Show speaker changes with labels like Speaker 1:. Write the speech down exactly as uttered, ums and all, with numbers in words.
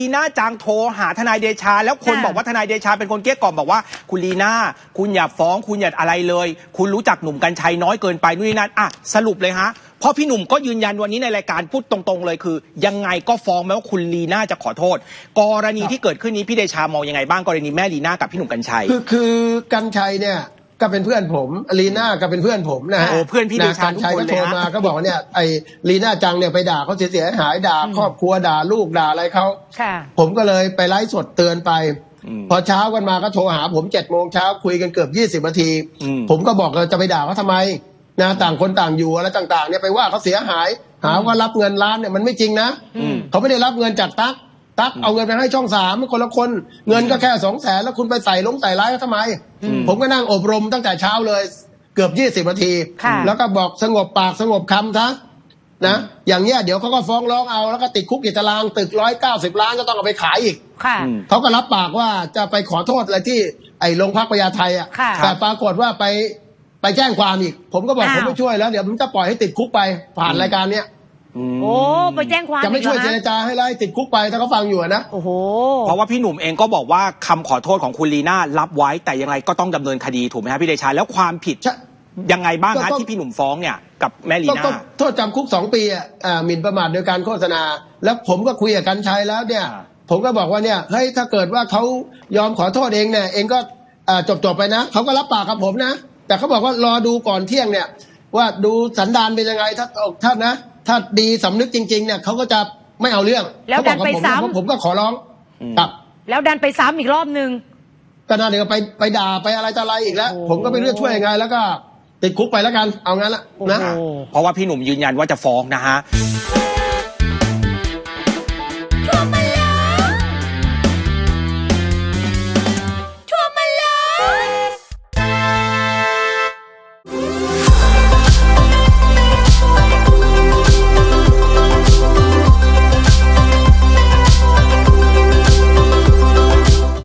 Speaker 1: ลีน่าจังโทรหาทนายเดชาแล้วคนบอกว่าทนายเดชาเป็นคนเกลี้ยกล่อมบอกว่าคุณลีน่าคุณอย่าฟ้องคุณอย่าอะไรเลยคุณรู้จักหนุ่มกัญชัยน้อยเกินไปนู่นนี่นั่นอ่ะสรุปเลยฮะเพราะพี่หนุ่มก็ยืนยันวันนี้ในรายการพูดตรงๆเลยคือยังไงก็ฟ้องแม้ว่าคุณลีน่าจะขอโทษกรณีที่เกิดขึ้นนี้พี่เดชามองยังไงบ้างกรณีแม่ลีน่ากับพี่หนุ่มกัญชัย
Speaker 2: คือคือกัญชัยเนี่ยก็เป็นเพื่อนผมลีน่าก็เป็นเพื่อนผมนะฮะ
Speaker 1: โอ้เพื่อนพี่เดชาทุกคนเลยฮะกัญชัยก็โทรมา
Speaker 2: ก็บอกเนี่ยไอ้ลีน่าจังเนี่ยไปด่าเขาเสียหายด่าครอบครัวด่าลูกด่าอะไรเขาผมก็เลยไปไลฟ์สดเตือนไปพอเช้ากันมาก็โทรหาผมเจ็ดโมงเช้าคุยกันเกือบยี่สิบนาทีผมก็บอกเราจะไปด่าเขาทำไมนะต่างคนต่างอยู่อะไรต่างๆเนี่ยไปว่าเขาเสียหายหาว่ารับเงินล้านเนี่ยมันไม่จริงนะเขาไม่ได้รับเงินจากตั๊กตั๊กเอาเงินไปให้ช่องสามคนละคนเงินก็แค่สองแสนแล้วคุณไปใส่ลงใส่ร้ายเขาทำไมผมก็นั่งอบรมตั้งแต่เช้าเลยเกือบยี่สิบนาทีแล้วก็บอกสงบปากสงบคำซะนะอย่างเงี้ยเดี๋ยวเขาก็ฟ้องร้องเอาแล้วก็ติดคุกติดตารางตึกร้อยเก้าสิบล้านก็ต้องเอาไปขายอีกเขาก็รับปากว่าจะไปขอโทษอะไรที่ไอ้โรงพักพญาไทอ่ะแต่ปรากฏว่าไปไปแจ้งความอีกผมก็บอกผมไม่ช่วยแล้วเดี๋ยวผมจะปล่อยให้ติดคุกไปผ่านรายการเนี้ย
Speaker 3: โอ้ไปแจ้งความ
Speaker 2: จะไม่ช่วยเจรจาให้ไล่ติดคุกไปถ้าเขาฟังอยู่นะ
Speaker 1: โอ้โหเพราะว่าพี่หนุ่มเองก็บอกว่าคำขอโทษของคุณลีน่ารับไว้แต่ยังไงก็ต้องดำเนินคดีถูกไหมครับพี่เดชาแล้วความผิดยังไงบ้างฮะที่พี่หนุ่มฟ้องเนี่ยกับแม่ลีน่า
Speaker 2: โทษจำคุกสองปีอ่ะหมิ่นประมาทโดยการโฆษณาแล้วผมก็คุยกับกัญชัยแล้วเนี่ยผมก็บอกว่าเนี่ยเฮ้ยถ้าเกิดว่าเขายอมขอโทษเองเนี่ยเองก็จบจบไปนะเขาก็รับปากกับผมนะแต่เขาบอกว่ารอดูก่อนเที่ยงเนี่ยว่าดูสันดานเป็นยังไงถ้าถ้านะถ้าดีสำนึกจริงๆเนี่ยเขาก็จะไม่เอาเรื่อง
Speaker 3: แล้วดันไปซ้ำ
Speaker 2: ผมก็ขอร้องครับ
Speaker 3: แล้วดันไปซ้ำอีกรอบนึง
Speaker 2: ก็น่าเดี๋ยวไปไปด่าไปอะไรต่ออะไรอีกแล้วผมก็ไม่รู้ช่วยยังไงแล้วก็ติดคุกไปแล้วกันเอางั้นละนะ
Speaker 1: เพราะว่าพี่หนุ่มยืนยันว่าจะฟ้องนะฮะ